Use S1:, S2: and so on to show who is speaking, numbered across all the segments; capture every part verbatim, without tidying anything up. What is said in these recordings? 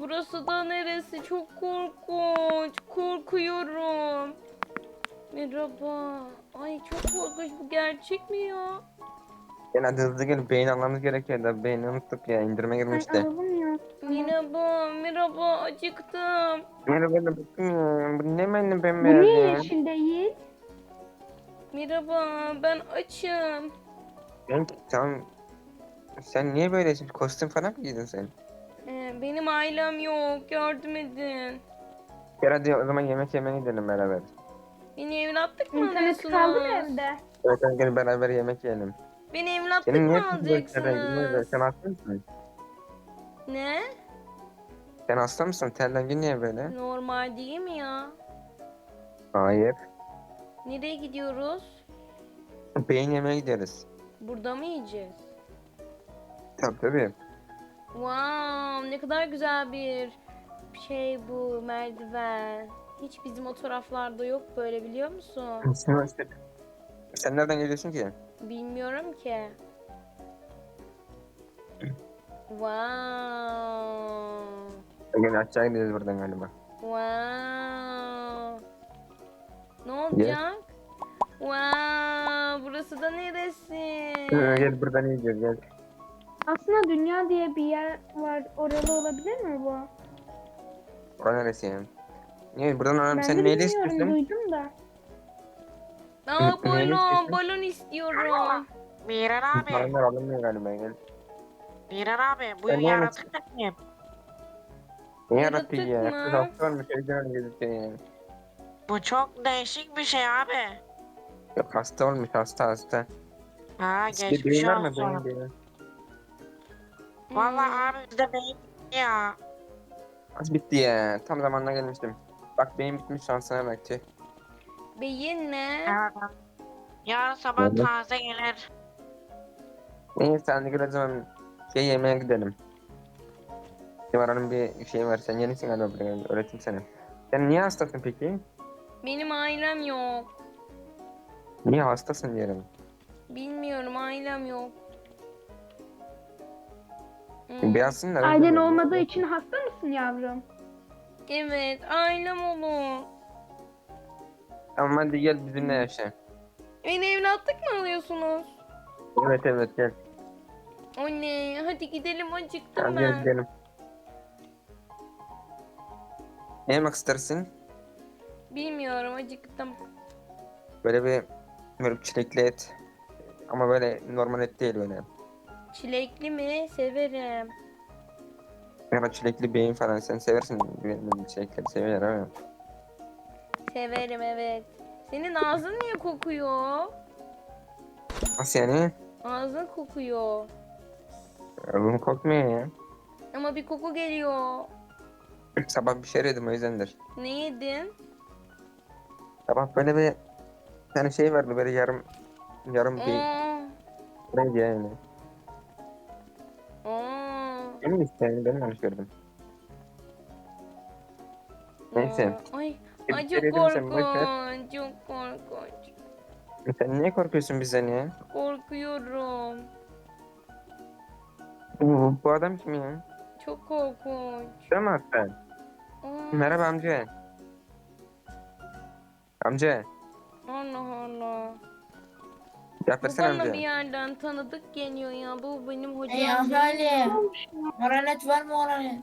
S1: burası da neresi? Çok korkunç. Korkuyorum. Merhaba. Ay çok korkunç. Bu gerçek mi ya?
S2: Gel hadi hızlı gel. Beyin almamız gerekiyor da beyni unuttuk ya. İndirime
S3: Ay
S2: girmişti.
S3: alalım ya. Tamam.
S1: Merhaba. Merhaba. Acıktım.
S2: Merhaba da bakın ya. Bu ne benim
S3: Bu
S2: bembeyaz
S3: niye
S2: ya.
S3: yeşil değil?
S1: Merhaba. Ben açım.
S2: Ben tamam. Sen niye böylesin? Kostüm falan mı giydin sen?
S1: Ee, benim ailem yok. Yardım edin.
S2: Gel hadi o zaman yemek yemeye gidelim beraber.
S1: Beni evlatlık mı
S3: İnternet kaldı mı
S1: alıyorsunuz?
S3: evde?
S2: Evet hadi gel beraber yemek yiyelim.
S1: Beni evlatlık
S2: Senin niye
S1: mı
S2: kızın böyle rengin böyle?
S1: alacaksınız?
S2: Sen hasta mısın?
S1: Ne?
S2: Sen hasta mısın? Ten rengin niye böyle?
S1: Normal değil mi ya?
S2: Hayır.
S1: Nereye gidiyoruz?
S2: Beyin yemeye gideriz.
S1: Burada mı yiyeceğiz?
S2: Tabii tabii.
S1: Wow, ne kadar güzel bir şey bu merdiven. Hiç bizim o taraflarda yok böyle, biliyor musun?
S2: Sen, sen nereden geliyorsun ki?
S1: Bilmiyorum ki. Wow.
S2: Gel aşağı gideceğiz buradan galiba.
S1: Wow. Ne
S2: Gel.
S1: olacak? Wow, burası da neresi?
S2: Hı, Gel buradan yiyeceğiz gel.
S3: Aslında dünya diye bir yer var. Oralı olabilir mi bu?
S2: Orası neresi yani? Niye buradan alalım?
S3: Ben
S2: Sen
S3: de
S2: neyle
S3: bilmiyorum,
S2: istiyorsun?
S3: duydum da.
S1: Aa,
S2: Neyle
S1: balon,
S2: istiyorsun?
S1: balon istiyorum.
S4: Miran abi,
S2: Paranlar alınmıyor galiba gel.
S4: Miran abi bu
S2: Ben ne yemek-
S4: yaratık da kim?
S2: Ne
S1: Yaratık
S2: yarattı ya?
S1: mı?
S2: Kız hasta olmuş evden gözüküyor yani.
S4: Bu çok değişik bir şey abi.
S2: Yok hasta olmuş hasta hasta.
S4: Ha
S2: Sizde
S4: geçmiş
S2: beyin var mı
S4: olsun.
S2: beyin beyin?
S4: Vallahi
S1: Hmm.
S4: abi bizde beyin ya.
S2: Az bitti ya. Tam zamanına gelmiştim. Bak beyin bitmiş şansına bak tüh.
S1: Beyin ne?
S4: Evet. abi. Yarın sabah
S2: Evet.
S4: taze gelir.
S2: Neyse hadi gel o zaman şey yemeğe gidelim. Civara'nın bir şey var. Sen yenisin galiba buraya. Öğreteyim sana. Sen niye hastasın peki?
S1: Benim ailem yok.
S2: Niye hastasın diyelim.
S1: Bilmiyorum, ailem yok. Hmm.
S2: Beyazsın da.
S3: Ailen olmadığı için hasta mısın yavrum?
S1: Evet, ailem olur.
S2: Tamam hadi gel bizimle yaşa.
S1: Beni evlatlık mı alıyorsunuz?
S2: Evet evet gel.
S1: Anne, hadi gidelim, acıktım
S2: Hadi gel
S1: ben.
S2: gidelim. Ne yemek istersin?
S1: Bilmiyorum, acıktım.
S2: Böyle bir böyle çilekli et. Ama böyle normal et değil böyle.
S1: Çilekli mi? Severim.
S2: Ya da çilekli beyin falan sen seversin. Benim çilekleri seviyor ama.
S1: Severim, evet. Senin ağzın niye kokuyor?
S2: Nasıl yani?
S1: Ağzın kokuyor.
S2: Oğlum kokmuyor ya.
S1: Ama bir koku geliyor.
S2: Sabah bir şey yedim o yüzdendir.
S1: Ne yedin?
S2: Sabah böyle bir tane şey vardı böyle yarım yarım bir
S1: Aa,
S2: neydi yani.
S1: aa,
S2: Benim işte yani ben yanlış gördüm. Neyse.
S1: aa. Ay,
S2: Bir
S1: ay
S2: şey
S1: çok
S2: yedim sen boş ver.
S1: korkunç. Çok korkunç.
S2: Sen niye korkuyorsun bizden ya?
S1: Korkuyorum.
S2: Bu, bu adam kim ya?
S1: Çok korkunç.
S2: Değil mi hasta?
S1: Aa,
S2: Merhaba amca. Amca.
S1: Allah Allah.
S2: Cevap
S1: Bu
S2: versene
S1: bana
S2: amca.
S1: bir yerden tanıdık geliyor ya. Bu benim hocam
S5: Ey
S1: değil
S5: ahali,
S1: mi?
S5: moralet var mı moralet?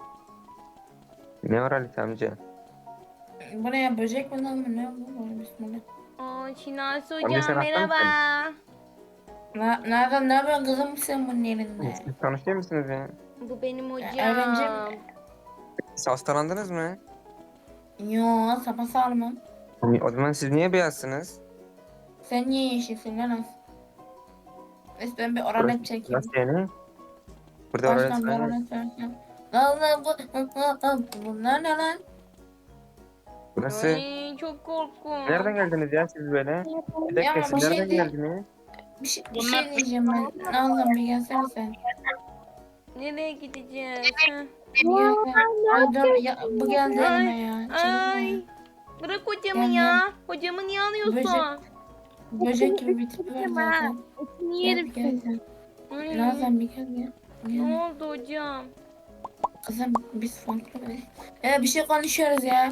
S2: Ne var Halit amca?
S5: Bu ne ya, böcek mi lan bu, ne bu böyle, bismillah.
S1: Aa, Şinasi
S2: Amca
S1: hocam
S2: sen hasta
S1: merhaba.
S5: Na, nereden, ne yapıyorsun kızım sen bunun yerinde?
S2: Siz tanışıyor musunuz ya?
S1: Bu benim
S5: Öğrenci
S1: hocam.
S5: mi?
S2: Siz hastalandınız mı?
S5: Yo, sapasağlamım.
S2: O zaman siz niye beyazsınız?
S5: Sen niye yeşilsin lan? Neyse ben bir oralet çekeyim.
S2: Nasıl yani? Burada
S5: Baştan
S2: öğretmen
S5: bir
S2: yok.
S5: oralet çekeyim. Lan lan bu, bunlar ne lan?
S2: Burası.
S1: Ay çok korkunç.
S2: Nereden geldiniz ya siz böyle? Bir dakika
S5: Ya
S2: siz
S5: bir şey
S2: nereden
S5: değil.
S2: geldiniz?
S5: Bir şey, bir şey diyeceğim ben. Allah'ım bir gelsene sen.
S1: Nereye gideceğiz? Heh.
S5: Bir gelsene. Ay dur ya, bu geldi elime ya.
S1: Ay.
S5: Çekme.
S1: Bırak hocamı
S5: Gel,
S1: ya. Hocamı niye alıyorsun?
S5: Böcek- Böcek gibi bir tipi var zaten.
S1: Etini
S5: Gel
S1: yerim
S5: bir gel
S1: seni.
S5: sen.
S1: Ay,
S5: Nazan bir gel ya.
S1: ne
S5: Gel.
S1: oldu hocam?
S5: Kızım biz farklı bir... Ya bir şey konuşuyoruz ya.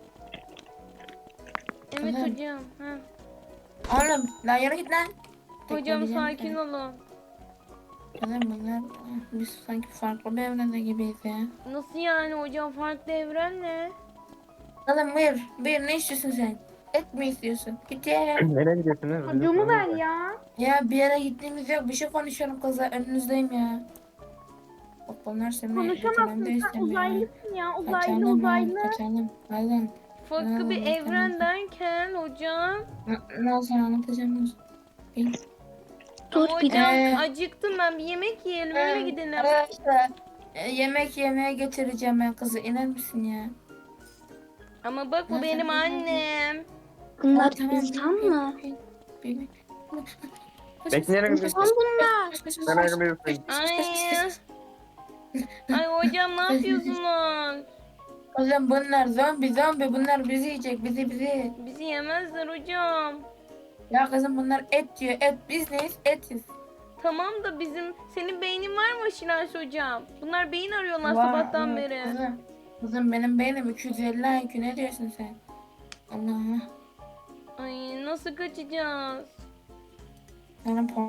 S1: Evet
S5: Kızım.
S1: hocam. Ha.
S5: Oğlum lan yürü git lan.
S1: Hocam
S5: Tekleyeceğim
S1: sakin
S5: seni.
S1: olun.
S5: Kızım bunlar biz sanki farklı bir evrende gibiyiz ya.
S1: Nasıl yani hocam, farklı evren ne?
S5: Kızım buyur. Buyur ne istiyorsun sen? Et mi istiyorsun? Git ya.
S2: Nereye gidiyorsunuz? Bizim
S3: Çocuğumu
S2: sorunumuz
S3: ver
S2: var.
S3: ya.
S5: Ya bir yere gittiğimiz yok. Bir şey konuşuyorum kızlar. Önünüzdeyim ya. Bak bunlar seni götürmemi de
S3: Konuşamazsın, sen
S5: istemiyor.
S3: uzaylısın ya. Uzaylı
S5: Kaçalım lan,
S3: uzaylı.
S5: kaçalım. Nazan,
S1: Farklı bir
S5: Hmm,
S1: evren
S5: tamam.
S1: derken hocam.
S5: N- Nazan anlatacağım Nazan. Bil.
S1: Ama hocam
S5: Ee,
S1: acıktım ben, bir yemek yiyelim öyle
S5: Ee,
S1: gidelim.
S5: Arkadaşlar e, yemek yemeye getireceğim ben kızı. İner misin ya?
S1: Ama bak bu
S5: Nereden
S1: benim
S5: biliyorsun?
S1: annem.
S3: Bunlar
S5: Aa, tamam,
S3: insan
S5: bil,
S3: mı?
S5: bil, bil, bil.
S2: Bekle, nereye
S3: İnsan
S2: gidiyorsun?
S3: bunlar.
S2: Nereye gidiyorsun?
S1: Ay. Ay hocam ne yapıyorsunuz?
S5: Kızım bunlar zombi zombi bunlar bizi yiyecek bizi bizi.
S1: Bizi yemezler hocam.
S5: Ya kızım bunlar et diyor et biz neyiz etiz.
S1: Tamam da bizim, senin beynin var mı Şinasi hocam? Bunlar beyin arıyorlar
S5: Var,
S1: sabahtan
S5: var.
S1: beri.
S5: Kızım, kızım benim beynim iki yüz elli I Q ne diyorsun sen? Allah.
S1: Ay nasıl kaçacağız?
S5: Senin por-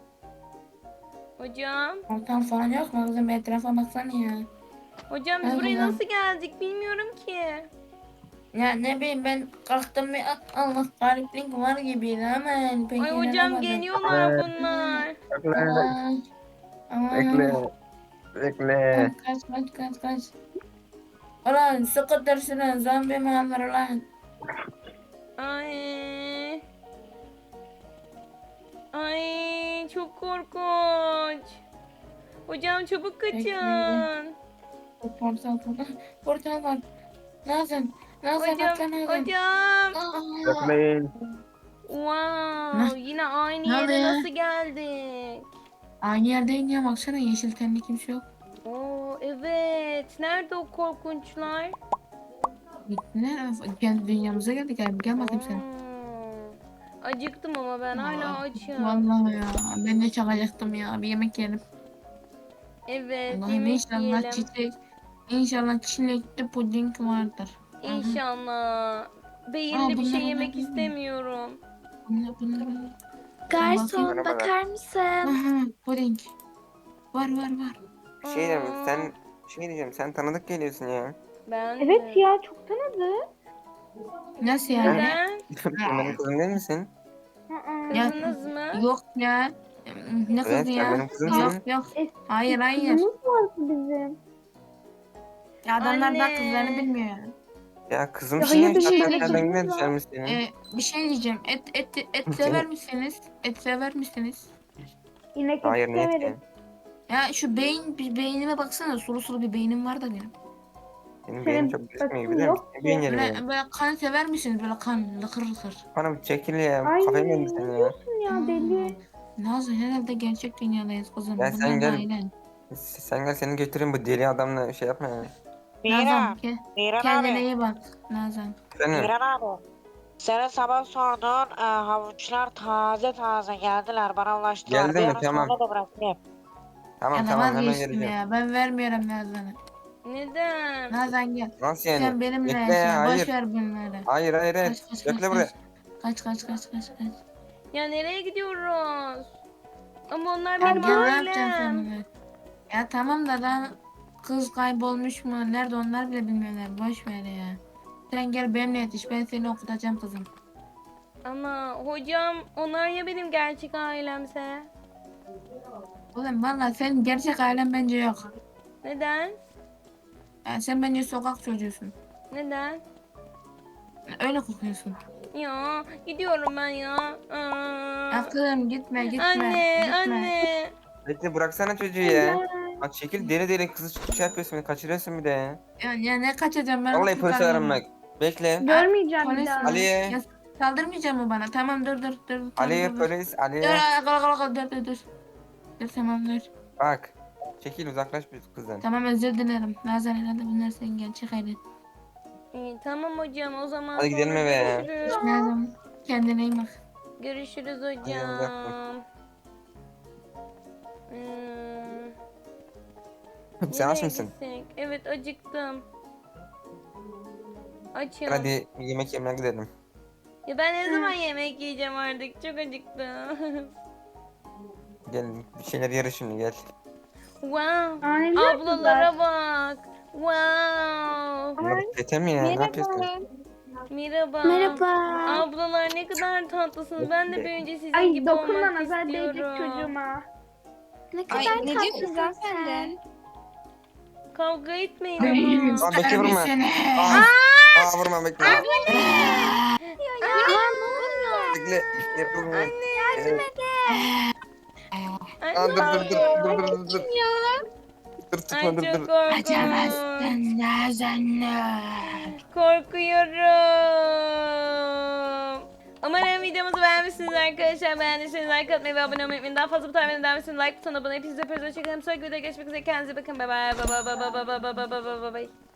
S1: Hocam.
S5: portal falan yok mu kızım etrafa baksana ya.
S1: Hocam biz
S5: Ay
S1: buraya
S5: hocam.
S1: nasıl geldik bilmiyorum ki.
S5: Ya ne bileyim ben kalktım bir "Ah, Allah gariplik var gibiydi ama yani pek
S1: Ay hocam
S5: inanamadım."
S1: geliyorlar
S2: Evet.
S1: bunlar.
S2: Bekle.
S5: Aa, aa.
S2: Bekle. Bekle.
S5: Kaç kaç kaç kaç. Ulan sıkı dırsın zombi mi alır lan?
S1: Ay. Ay çok korkunç. Hocam çabuk kaçın.
S5: Bekleyin. Portal portal. Portal var. Nazan. Nazan
S1: Hocam,
S5: atla Nazan.
S1: hocam.
S5: Aa.
S2: Bekleyin.
S1: Wow, yine aynı
S5: Ne
S1: yere
S5: oluyor?
S1: nasıl geldik?
S5: Aynı yerdeyim ya baksana yeşil tenli kimse yok.
S1: Oo evet. Nerede o korkunçlar?
S5: Gittiler. Kendi dünyamıza geldik abi. Gel bakayım sen.
S1: Aa, acıktım ama ben hala açım.
S5: Vallahi ya. Ben de çok acıktım ya. Bir yemek yiyelim.
S1: Evet,
S5: Allah'ım
S1: yemek
S5: inşallah
S1: yiyelim.
S5: çiçek. İnşallah çilekli puding vardır. Aha.
S1: İnşallah.
S5: Aa,
S1: Belirli bir
S5: bunlar
S1: şey
S5: olabilir
S1: yemek
S5: mi?
S1: istemiyorum.
S5: Bunlar bunlar. bunlar.
S3: Garson
S2: Merhabalar.
S3: bakar mısın?
S5: Aha puding. Var var var.
S2: Bir şey diyeceğim. Sen şey diyeceğim. Sen tanıdık geliyorsun ya.
S1: Ben
S3: Evet
S1: de.
S3: ya, çok tanıdı.
S5: Nasıl yani?
S1: Neden?
S2: Sen benim kızım değil misin?
S3: Aa.
S5: Ya-
S1: Kızınız mı?
S5: Yok ya. Ne kızı
S2: Evet, sen
S5: ya?
S2: benim kızımsın.
S5: Yok yok.
S3: Es-
S5: Hayır hayır.
S3: Kızımız vardı bizim.
S5: Ya adamlar da
S1: Anne.
S5: kızlarını bilmiyor yani.
S2: Ya kızım
S3: Ya
S2: şimdi
S3: hayır, bizim
S2: şartlar
S3: öyle
S2: nereden
S3: kızımız
S2: güne
S3: var.
S2: düşermiş senin?
S5: Ee, bir şey diyeceğim. Et et et sever misiniz? Et sever misiniz?
S3: İnek
S2: Hayır,
S3: eti
S2: niye
S3: severiz.
S2: ki?
S5: Ya şu beyin bir beynime baksana. Sulu sulu bir beynim var da benim.
S2: Benim
S3: Senin
S2: beynim çok düşmüyor
S3: bakın
S2: biliyor musun?
S3: yok
S2: Ne
S3: ki.
S2: beyin yerim
S5: Böyle,
S2: benim.
S5: böyle kan sever misiniz? Böyle kan lıkır lıkır.
S2: Bana bir çekil ya.
S3: Ay
S2: Kafayı mı
S3: ne
S2: yedin sen ya?
S3: diyorsun ya deli.
S5: Nazlı herhalde gerçek dünyadayız kızım.
S2: Ya sen
S5: Bunlar
S2: gel.
S5: da aynen.
S2: Sen gel seni götüreyim bu deli adamla şey yapma ya.
S4: Miran.
S5: Nazan ke-
S4: Miran
S5: kendine
S4: abi.
S5: iyi bak Nazan.
S2: Efendim?
S4: Miran abi. Senin sabah sorduğun e, havuçlar taze taze geldiler. Bana ulaştılar.
S2: Geldi
S4: Bir
S2: mi?
S4: ara
S2: Tamam.
S4: sonra da bırakayım.
S2: Tamam
S5: Ya da
S2: tamam hemen
S5: vazgeçtim
S2: geleceğim.
S5: ya. Ben vermiyorum Nazan'ı.
S1: Neden?
S5: Nazan gel.
S2: Nasıl yani?
S5: Sen benimle
S2: Bekle
S5: yaşa.
S2: ya, hayır.
S5: Boş ver bunları.
S2: Hayır hayır hayır.
S5: Kaç kaç kaç
S2: Bekle buraya.
S5: kaç. Kaç kaç kaç kaç kaç.
S1: Ya nereye gidiyoruz? Ama onlar
S5: Ya
S1: benim
S5: gel, ne yapacaksın
S1: ailem.
S5: sonra? Ya tamam da daha kız kaybolmuş mu? Nerede onlar bile bilmiyorlar. Boş ver ya. Sen gel benimle yetiş. Ben seni okutacağım kızım.
S1: Ama hocam onlar ya benim gerçek ailemse?
S5: Oğlum valla sen gerçek ailen bence yok.
S1: Neden?
S5: Yani sen bence sokak çocuğusun.
S1: Neden?
S5: Öyle kokuyorsun.
S1: Ya gidiyorum ben ya. Aa.
S5: Ya kızım gitme gitme.
S1: Anne,
S5: gitme.
S1: anne.
S2: Bekle bıraksana çocuğu ya. Bak çekil deli deli kızı şey yapıyorsun beni kaçırıyorsun bir de ya.
S5: Ya, ya ne kaçacağım ben?
S2: Vallahi
S5: okul
S2: polise
S5: arıyorum.
S2: ararım bak. Bekle.
S3: Görmeyeceğim bir
S5: Polis
S3: daha.
S5: mi?
S2: Aliye.
S5: Ya saldırmayacak mı bana? Tamam dur dur dur. Tamam,
S2: Aliye
S5: dur, dur.
S2: polis
S5: Dur
S2: Aliye.
S5: dur dur dur dur dur. Dur tamam dur.
S2: Bak. Çekil uzaklaş bir kızdan.
S5: Tamam özür dilerim. Nazan herhalde bunlar senin gerçek ailen.
S1: İyi, tamam hocam o zaman
S2: Hadi gidelim
S1: sonra
S2: eve ya.
S1: görüşürüz.
S5: Nazan kendine iyi bak.
S1: Görüşürüz
S2: Hadi
S1: hocam. Hmm.
S2: Sen aç
S1: Nereye
S2: mısın?
S1: gitsek? Evet acıktım. Açım.
S2: Hadi yemek yemeye gidelim.
S1: Ya ben ne zaman yemek yiyeceğim artık? Çok acıktım.
S2: Gel bir şeyler yeriz şimdi gel.
S1: Wow.
S3: Anneler
S1: Ablalara
S3: kızlar.
S1: bak. Wow.
S2: Bunlar tete mi ya? Ne yapıyorsun?
S1: Merhaba.
S3: Merhaba.
S1: Ablalar ne kadar tatlısınız. Ben de büyüyünce sizin
S3: Ay
S1: gibi
S3: dokunma
S1: olmak
S3: nazar değecek
S1: istiyorum.
S3: çocuğuma. Ne
S6: Ay,
S3: kadar
S6: ne diyorsun
S3: tatlısın
S6: hanımefendi?
S3: sen.
S1: Kavga etmeyin
S5: Benim
S1: ama.
S2: Aa, bekle vurma.
S5: seni.
S2: Aa, aa vurma bekle.
S3: Ya,
S2: Bekle. Yapılmıyor.
S1: Anne
S2: yardım
S1: et.
S2: Aa, dur dur dur dur dur dur. Dur tutma
S1: Ay
S2: dur
S1: çok
S2: dur.
S1: korkunç.
S5: Açamazsın Nazan'ı.
S1: Korkuyorum. Umarım videomuzu beğenmişsiniz arkadaşlar. Beğendiyseniz like atmayı ve abone olmayı unutmayın. Daha fazla bu tarz videoların devamı için like butonuna abone. Hepinize öpüyoruz. Hoşçakalın. Sonraki videoda görüşmek üzere. Kendinize bakın. Bye bye. Bye bye bye bye bye bye bye bye bye bye bye.